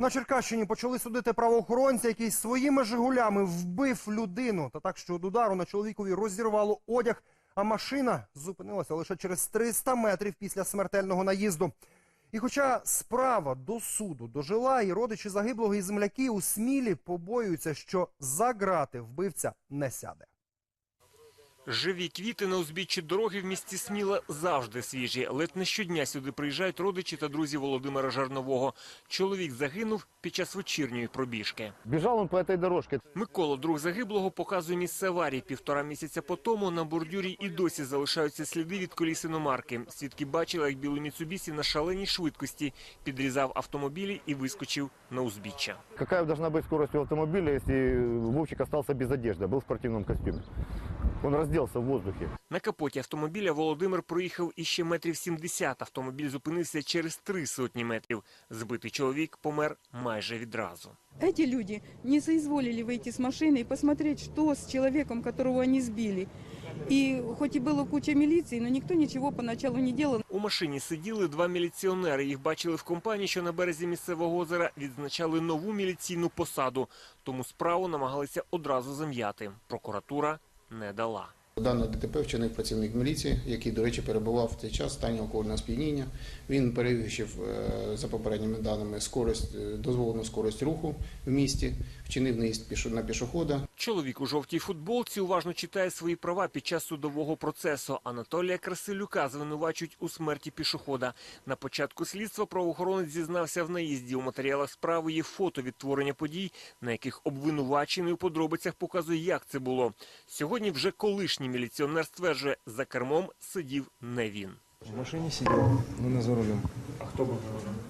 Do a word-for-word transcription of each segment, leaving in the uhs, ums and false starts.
На Черкащині почали судити правоохоронця, який своїми «Жигулями» вбив людину. Та так, що від удару на чоловікові розірвало одяг, а машина зупинилася лише через триста метрів після смертельного наїзду. І хоча справа до суду дожила, і родичі загиблого, і земляки у Смілі побоюються, що за ґрати вбивця не сяде. Живі квіти на узбіччі дороги в місті Сміла завжди свіжі. Ледь не щодня сюди приїжджають родичі та друзі Володимира Жарнового. Чоловік загинув під час вечірньої пробіжки. Біжав він по цій дорожці. Микола, друг загиблого, показує місце аварії. Півтора місяця по тому на бордюрі і досі залишаються сліди від коліс іномарки. Свідки бачили, як білий Міцубісі на шаленій швидкості підрізав автомобілі і вискочив на узбіччя. Яка должна бути швидкість автомобіля, якщо Вовчик залишився без одежди, був в спортивному костюмі? Він роздівся в воздухі. На капоті автомобіля Володимир проїхав іще метрів сімдесят. Автомобіль зупинився через три сотні метрів. Збитий чоловік помер майже відразу. Эти люди не соизволили выйти с машины и посмотреть, что с человеком, которого они сбили. И хоть и было куча милиции, но никто ничего поначалу не делал. У машині сиділи два міліціонери. Їх бачили в компанії, що на березі місцевого озера відзначали нову міліційну посаду. Тому справу намагалися одразу зам'яти. Прокуратура не дала. Дане ДТП вчинив працівник міліції, який, до речі, перебував в цей час в стані алкогольного сп'яніння. Він перевищив, за попередніми даними, скорость, дозволену скорость руху в місті, вчинив наїзд на пішохода. Чоловік у жовтій футболці уважно читає свої права під час судового процесу. Анатолія Красилюка звинувачують у смерті пішохода. На початку слідства правоохоронець зізнався в наїзді. У матеріалах справи є фото відтворення подій, на яких обвинувачений у подробицях показує, як це було. Сьогодні вже колишній міліціонер стверджує, за кермом сидів не він. В машині сидів, але не за рулем. А хто був за рулем?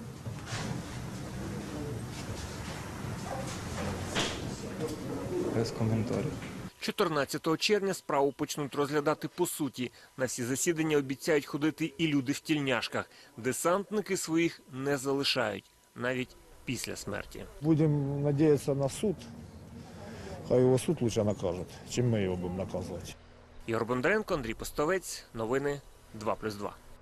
Без коментарів. чотирнадцятого червня справу почнуть розглядати по суті. На всі засідання обіцяють ходити і люди в тільняшках. Десантники своїх не залишають, навіть після смерті. Будемо сподіватися на суд. Хай його суд краще накаже, чим ми його будемо наказувати. Ігор Бондаренко, Андрій Постовець. Новини два плюс два.